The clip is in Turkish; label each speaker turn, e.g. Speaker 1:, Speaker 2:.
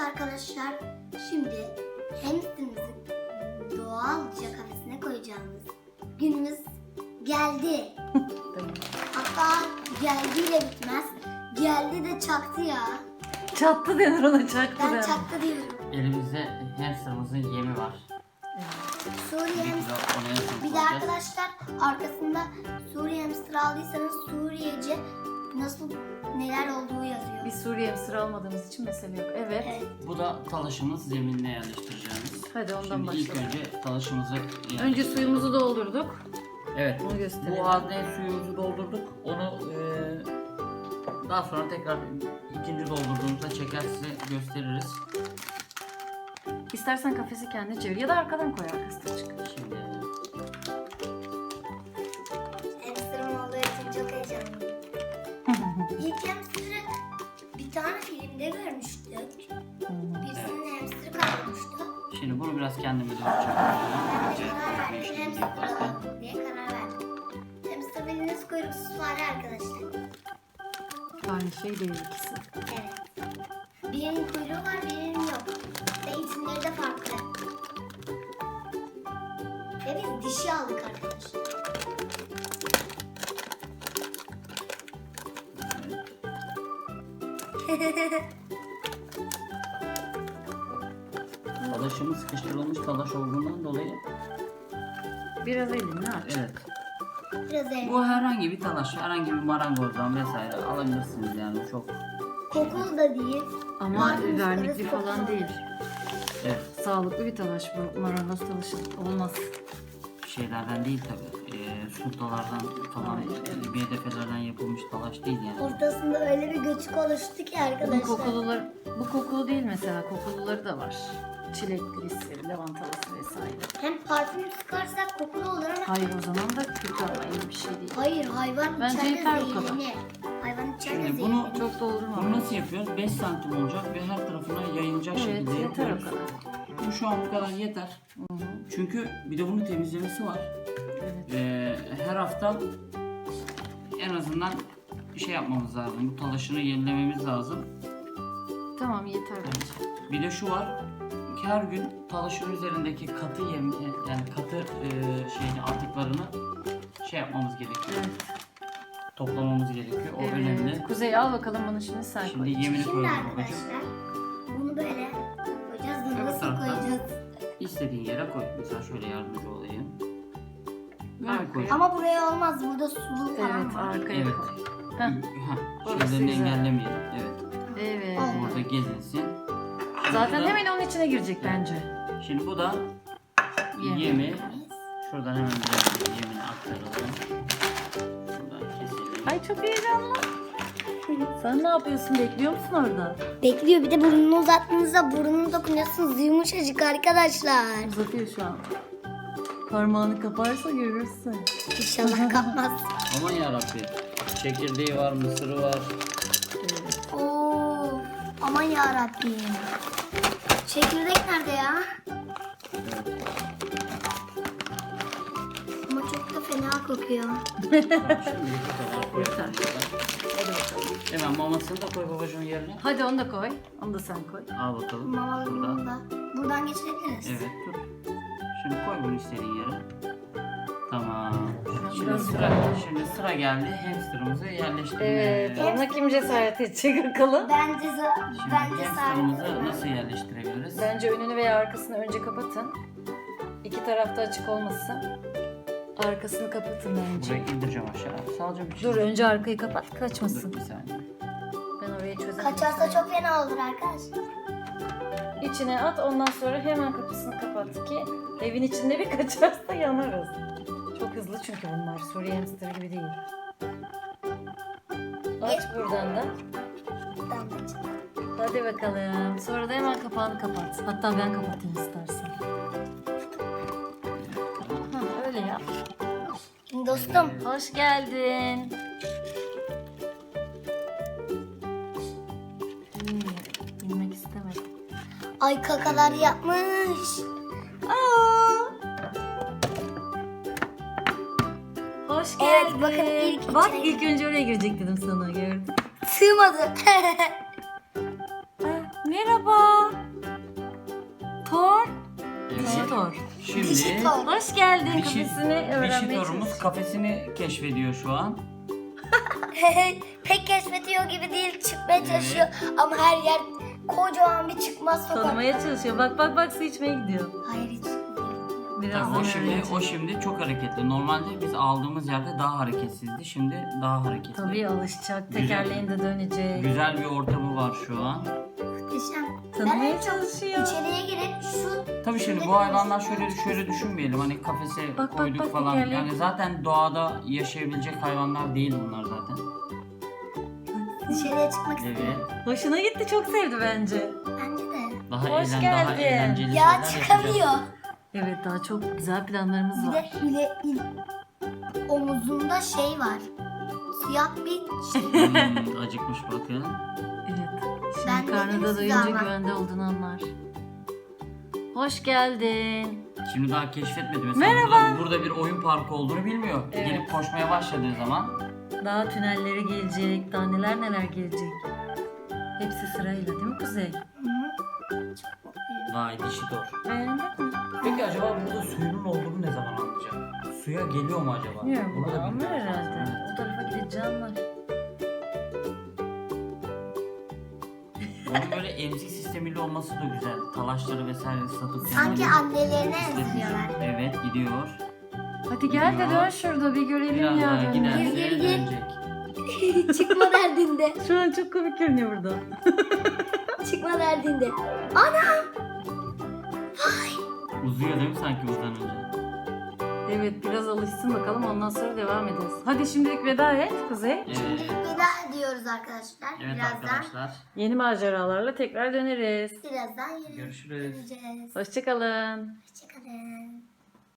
Speaker 1: arkadaşlar, şimdi hamsterımızı doğalca kafesine koyacağımız günümüz geldi. Hatta geldiyle bitmez. Geldi de çaktı ya.
Speaker 2: Çattı denir ona, çaktı
Speaker 1: Ben
Speaker 2: denir.
Speaker 1: çaktı diyorum.
Speaker 3: Elimizde hamsterımızın yemi var.
Speaker 1: Suriye hamster. Bir de arkadaşlar arkasında Suriye hamster aldıysanız Suriyece nasıl neler olduğu yazıyor.
Speaker 2: Biz Suriye hamster almadığımız için mesele yok. Evet.
Speaker 3: Bu da talaşımız, zeminine yerleştireceğimiz.
Speaker 2: Hadi ondan
Speaker 3: Şimdi ilk
Speaker 2: başlayalım.
Speaker 3: önce talaşımızı
Speaker 2: Önce suyumuzu doldurduk.
Speaker 3: Evet.
Speaker 2: Onu gösterelim.
Speaker 3: Bu halde suyumuzu doldurduk. Onu daha sonra tekrar ikinci doldurduğumuzda çeker size gösteririz.
Speaker 2: İstersen kafesi kendine çevir ya da arkadan koy, arkasına çık.
Speaker 3: Şimdi
Speaker 1: Hamsterım olduğu için çok heyecanlıyım. İlk hamsterı bir tane filmde görmüştük. Birisinin hamsteri kaybolmuştu.
Speaker 3: Şimdi bunu biraz kendime doğru
Speaker 1: Ben de
Speaker 3: çekelim.
Speaker 1: karar verdim. Hamster alalım diye karar verdim. Hamster bildiğiniz kuyruksuz fare arkadaşlar.
Speaker 2: Aynı şey değil ikisi.
Speaker 1: Evet. Birinin kuyruğu var, birinin yok. Ve isimleri de farklı. Ve biz dişi aldık arkadaşlar.
Speaker 3: Talaşımız sıkıştırılmış talaş olduğundan dolayı
Speaker 2: Biraz elini aç.
Speaker 3: evet.
Speaker 1: Biraz evet.
Speaker 3: Bu herhangi bir talaş, herhangi bir marangozdan vesaire alabilirsiniz yani çok.
Speaker 1: Kokulu da değil.
Speaker 2: Ama
Speaker 1: Marangozları
Speaker 2: vernikli falan
Speaker 1: kokulu.
Speaker 2: değil.
Speaker 3: Evet.
Speaker 2: Sağlıklı bir talaş bu. Marangoz talaşı olmaz.
Speaker 3: Şeylerden değil tabi. Sultalardan falan,
Speaker 2: Hayır, evet.
Speaker 3: BDF'lerden yapılmış talaş değil yani.
Speaker 1: Ortasında öyle bir göçük oluştu ki
Speaker 2: Bu
Speaker 1: arkadaşlar.
Speaker 2: kokulular, bu kokulu değil mesela. Kokuluları da var. Çileklisi, lavantalısı vesaire.
Speaker 1: Hem parfüm sıkarsak kokulu olur ama
Speaker 2: Hayır, o zaman da kötü ama iyi bir şey değil.
Speaker 1: hayır, hayvan
Speaker 2: Bence
Speaker 1: içeride
Speaker 2: yeter bu kadar.
Speaker 1: zehirlenir. Hayvan içeride
Speaker 3: Şimdi bunu
Speaker 1: zehirlenir.
Speaker 2: Çok doldurma.
Speaker 3: Bunu nasıl yapıyoruz? 5 santim olacak ve her tarafına yayılacak
Speaker 2: Evet,
Speaker 3: şekilde
Speaker 2: yeter o
Speaker 3: yapıyoruz.
Speaker 2: kadar.
Speaker 3: Bu şu an bu kadar yeter. Çünkü bir de bunun temizlemesi var.
Speaker 2: Evet.
Speaker 3: Her hafta en azından bir şey yapmamız lazım. Bu talaşını yenilememiz lazım.
Speaker 2: Tamam, yeter bence.
Speaker 3: Bir de şu var. Her gün talaşın üzerindeki katı yem, yani katı şeyini, atıklarını şey yapmamız gerekiyor.
Speaker 2: Evet.
Speaker 3: Toplamamız gerekiyor. O önemli.
Speaker 2: Evet. Kuzey, al bakalım bunu şimdi sen
Speaker 3: Şimdi
Speaker 2: koy.
Speaker 3: yemini
Speaker 1: Şimdi
Speaker 3: koyuyoruz babacığım.
Speaker 1: arkadaşlar bunu böyle koyacağız da
Speaker 3: Öbür
Speaker 1: nasıl
Speaker 3: taraftan.
Speaker 1: koyacağız?
Speaker 3: İstediğin yere koy. Mesela şöyle yardımcı olayım. Böyle
Speaker 2: Arkaya.
Speaker 3: koy.
Speaker 1: Ama buraya olmaz, burada sulu falan
Speaker 2: Evet,
Speaker 1: var.
Speaker 2: arkaya
Speaker 3: Evet.
Speaker 2: koy. Heh. Orası
Speaker 3: Şeylerini
Speaker 2: güzel.
Speaker 3: engellemeyelim. Evet.
Speaker 2: Evet.
Speaker 1: Oldu.
Speaker 3: Burada gezinsin.
Speaker 2: Zaten
Speaker 3: Bu da-
Speaker 2: hemen onun içine girecek bence.
Speaker 3: Şimdi bu da
Speaker 2: Yem.
Speaker 3: yemi. Şuradan hemen biraz yemini aktaralım. Şuradan keselim.
Speaker 2: Ay, çok heyecanlı. Sen ne yapıyorsun? Bekliyor musun orada?
Speaker 1: Bekliyor, bir de burnunu uzattığınızda burnunu dokunuyorsunuz, yumuşacık arkadaşlar.
Speaker 2: Uzatıyor şu an. Parmağını kaparsa görürsün.
Speaker 1: İnşallah kapmaz.
Speaker 3: Aman yarabbim. Çekirdeği var, mısırı var.
Speaker 2: Evet.
Speaker 1: Oo, aman yarabbim. Çekirdek nerede ya? Ama çok da fena kokuyor.
Speaker 3: Şimdi bu kadar koy.
Speaker 2: Yeter. Hadi bakalım.
Speaker 3: Hemen mamasını da koy babacığım yerine.
Speaker 2: Hadi onu da koy. Onu da sen koy.
Speaker 3: Al bakalım.
Speaker 1: Mamalarını
Speaker 3: Şuradan.
Speaker 1: da buradan geçirebiliriz.
Speaker 3: Evet dur. Şimdi koy bunu istediğin yere. Tamam. Şimdi
Speaker 2: Biraz
Speaker 3: sıra,
Speaker 2: bıraktım.
Speaker 3: şimdi sıra geldi hamsterımızı yerleştirmeye.
Speaker 2: Evet. Ona kim cesaret edecek bakalım?
Speaker 1: Bence
Speaker 3: Şimdi
Speaker 1: bence
Speaker 3: hamsterımızı nasıl yerleştirebiliriz?
Speaker 2: Bence önünü veya arkasını önce kapatın. İki tarafta açık olmasın. Arkasını kapatın bence.
Speaker 3: Burayı indireceğim aşağı. Sadece bir şey.
Speaker 2: Dur, önce arkayı kapat,
Speaker 3: Dur
Speaker 2: kaçmasın.
Speaker 3: bir saniye.
Speaker 2: Ben orayı çözerim.
Speaker 1: kaçarsa çok fena olur arkadaşlar.
Speaker 2: İçine at, ondan sonra hemen kapısını kapat ki evin içinde bir kaçarsa yanarız. Çok hızlı çünkü bunlar. Suriye hamster gibi değil. Aç buradan da.
Speaker 1: Damlacığım.
Speaker 2: Hadi bakalım. Sonra da hemen kapağını kapat. Hatta ben kapatayım istersen. Hah, öyle yap.
Speaker 1: Şimdi dostum,
Speaker 2: Hoş geldin. Bilmek istemedim.
Speaker 1: ay kakalar yapmış.
Speaker 2: Hoş
Speaker 1: Evet,
Speaker 2: geldin.
Speaker 1: bakın ilk
Speaker 2: Bak,
Speaker 1: içine-
Speaker 2: ilk önce oraya girecek dedim sana, gördün.
Speaker 1: Sığmadı.
Speaker 2: Merhaba. Dişi tor.
Speaker 3: Şimdi
Speaker 1: Dişi tor.
Speaker 2: Hoş geldin.
Speaker 3: Dişi-
Speaker 2: Kafesini
Speaker 3: dişi
Speaker 2: öğrenmeye
Speaker 3: torumuz
Speaker 2: çalışıyor.
Speaker 3: kafesini keşfediyor şu an.
Speaker 1: Pek keşfediyor gibi değil, çıkmaya çalışıyor ama her yer kocaman bir çıkmaz sokak.
Speaker 2: Tanımaya çalışıyor. Bak bak bak, su içmeye gidiyor.
Speaker 1: Hayır hiç değil.
Speaker 2: Birazdan
Speaker 3: Tamam, o
Speaker 2: öğrenecek.
Speaker 3: şimdi çok hareketli. Normalde biz aldığımız yerde daha hareketsizdi. Şimdi daha hareketli.
Speaker 2: Tabii alışacak.
Speaker 3: Güzel.
Speaker 2: Tekerleğin de dönecek.
Speaker 3: Güzel bir ortamı var şu an.
Speaker 1: Muhteşem.
Speaker 2: Tanımaya
Speaker 1: Ben
Speaker 2: çalışıyor.
Speaker 1: İçeriye girip şu
Speaker 3: Tabii şimdi bu hayvanlar şöyle düşünmeyelim. Hani kafese
Speaker 2: Bak,
Speaker 3: koyduk
Speaker 2: bak,
Speaker 3: falan.
Speaker 2: tekerlek.
Speaker 3: Yani zaten doğada yaşayabilecek hayvanlar değil bunlar zaten.
Speaker 1: dışarıya çıkmak
Speaker 3: Evet.
Speaker 1: istiyorum.
Speaker 2: Hoşuna gitti. Çok sevdi bence.
Speaker 1: Bence de.
Speaker 3: Daha
Speaker 2: Hoş
Speaker 3: daha
Speaker 2: geldin.
Speaker 3: eğlenceli
Speaker 1: Ya
Speaker 3: şeyler
Speaker 1: çıkamıyor.
Speaker 3: yapacağız.
Speaker 2: Evet, daha çok güzel planlarımız
Speaker 1: Bir
Speaker 2: var.
Speaker 1: de omuzunda şey var. Siyah bir şey.
Speaker 3: Acıkmış bakın.
Speaker 2: Evet.
Speaker 1: Ben
Speaker 2: Şimdi
Speaker 1: dedim
Speaker 2: karnında
Speaker 1: size
Speaker 2: doyunca
Speaker 1: ama.
Speaker 2: güvende olduğunu anlar. Hoş geldin.
Speaker 3: Şimdi daha keşfetmedi mesela.
Speaker 2: Merhaba.
Speaker 3: Burada bir oyun parkı olduğunu bilmiyor.
Speaker 2: Evet.
Speaker 3: Gelip koşmaya başladığı zaman
Speaker 2: Daha tünelleri gelecek. Daha neler neler gelecek. Hepsi sırayla değil mi Kuzey?
Speaker 3: vay dişi tor.
Speaker 2: Beğendin mi?
Speaker 3: Peki acaba burada suyunun olduğunu ne zaman anlayacak? Suya geliyor mu acaba?
Speaker 2: Bilmiyorum.
Speaker 3: Bunu da
Speaker 2: Anlar
Speaker 3: bilmiyoruz.
Speaker 2: herhalde.
Speaker 3: Evet.
Speaker 2: O tarafa gidince anlar.
Speaker 3: Onun böyle emzik sistemiyle olması da güzel. Talaşları vesaire satıp
Speaker 1: Sanki
Speaker 3: kendini
Speaker 1: annelerine
Speaker 3: istediği-
Speaker 1: emziriyorlar.
Speaker 3: Evet gidiyor.
Speaker 2: Hadi gel de dön şurada bir görelim
Speaker 3: Biraz
Speaker 2: ya.
Speaker 3: daha
Speaker 2: dönmeyi.
Speaker 3: giderse
Speaker 1: Gir, gir, gir.
Speaker 3: dönecek.
Speaker 1: Çıkma derdinde.
Speaker 2: Şu an çok komik görünüyor burada.
Speaker 1: Çıkma derdinde. Ana!
Speaker 3: Uzuyor değil mi sanki buradan önce?
Speaker 2: Evet, biraz alışsın bakalım, ondan sonra devam ederiz. Hadi şimdilik veda et Kuzey.
Speaker 3: Evet.
Speaker 1: Veda ediyoruz arkadaşlar.
Speaker 3: Evet
Speaker 1: birazdan
Speaker 3: arkadaşlar.
Speaker 2: Yeni maceralarla tekrar döneriz.
Speaker 1: birazdan yine
Speaker 3: Görüşürüz.
Speaker 1: göreceğiz.
Speaker 2: Hoşçakalın.
Speaker 1: Hoşçakalın.